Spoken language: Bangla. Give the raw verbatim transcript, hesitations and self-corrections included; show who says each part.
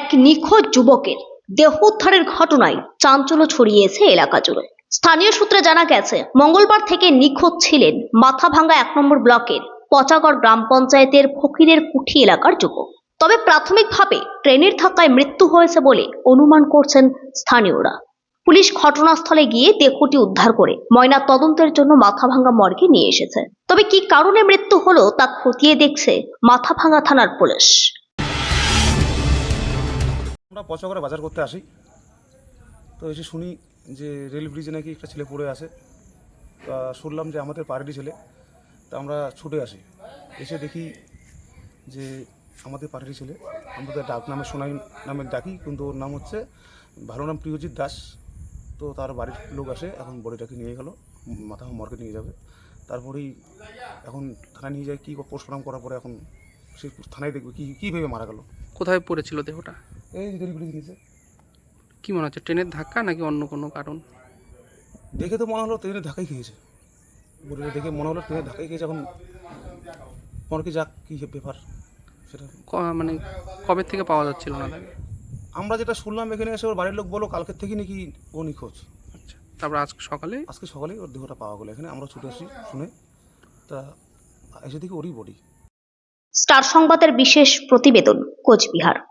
Speaker 1: নিখোঁজ যুবকের দেহ উদ্ধারের ঘটনায় চাঞ্চল্য ছড়িয়েছে এলাকা জুড়ে। স্থানীয় সূত্রে জানা গেছে, মঙ্গলবার থেকে নিখোঁজ ছিলেন মাথাভাঙ্গা এক নম্বর ব্লকের পচাগড় গ্রাম পঞ্চায়েতের ফকিরের কুঠি এলাকার যুবক। তবে প্রাথমিকভাবে ট্রেনের ধাক্কায় মৃত্যু হয়েছে বলে অনুমান করছেন স্থানীয়রা। পুলিশ ঘটনাস্থলে গিয়ে দেহটি উদ্ধার করে ময়না তদন্তের জন্য মাথাভাঙ্গা মর্গে নিয়ে এসেছে। তবে কি কারণে মৃত্যু হলো তা খতিয়ে দেখছে মাথাভাঙ্গা থানার পুলিশ।
Speaker 2: আমরা পচাগড়ে বাজার করতে আসি, তো এসে শুনি যে রেল ব্রিজে নাকি একটা ছেলে পড়ে আছে। তা শুনলাম যে আমাদের পাড়ারই ছেলে, তা আমরা ছুটে আসি। এসে দেখি যে আমাদের পাড়ারই ছেলে, আমরা তো ডাক নামে সোনাই নামে ডাকি, কিন্তু ওর নাম হচ্ছে ভালো নাম প্রিয়জিৎ দাস। তো তার বাড়ির লোক আসে, এখন বডিটাকে নিয়ে গেল, মাথা মর্গে নিয়ে যাবে। তারপরেই এখন থানায় নিয়ে যায়, কী পোস্টমর্টম করার পরে এখন সে থানায় দেখবে কী কী ভেবে মারা গেল।
Speaker 3: কোথায় পড়েছিল দেহটা?
Speaker 2: এই রেল ব্রিজ নিচে।
Speaker 3: কি মনে হচ্ছে, ট্রেনের ধাক্কা নাকি অন্য কোনো কারণ?
Speaker 2: দেখে তো মনে হলো ট্রেনের ধাক্কাই খেয়েছে, বডিটা দেখে মনে হলো ট্রেনের ধাক্কাই খেয়েছে। এখন মর্গে যাক কী ব্যাপার সেটা
Speaker 3: ক- মানে কবে থেকে পাওয়া যাচ্ছিল না তাকে?
Speaker 2: আমরা যেটা শুনলাম, এখানে এসে ওর বাড়ির লোক বলো কালকের থেকে নাকি ও নিখোঁজ।
Speaker 3: আচ্ছা, তারপর আজ সকালে?
Speaker 2: আজকে সকালেই ওর দেহটা পাওয়া গেলো। এখানে আমরা ছুটে আসি শুনে, তা এসে দেখি ওরই বডি।
Speaker 1: স্টার সংবাদের বিশেষ প্রতিবেদন, কোচবিহার।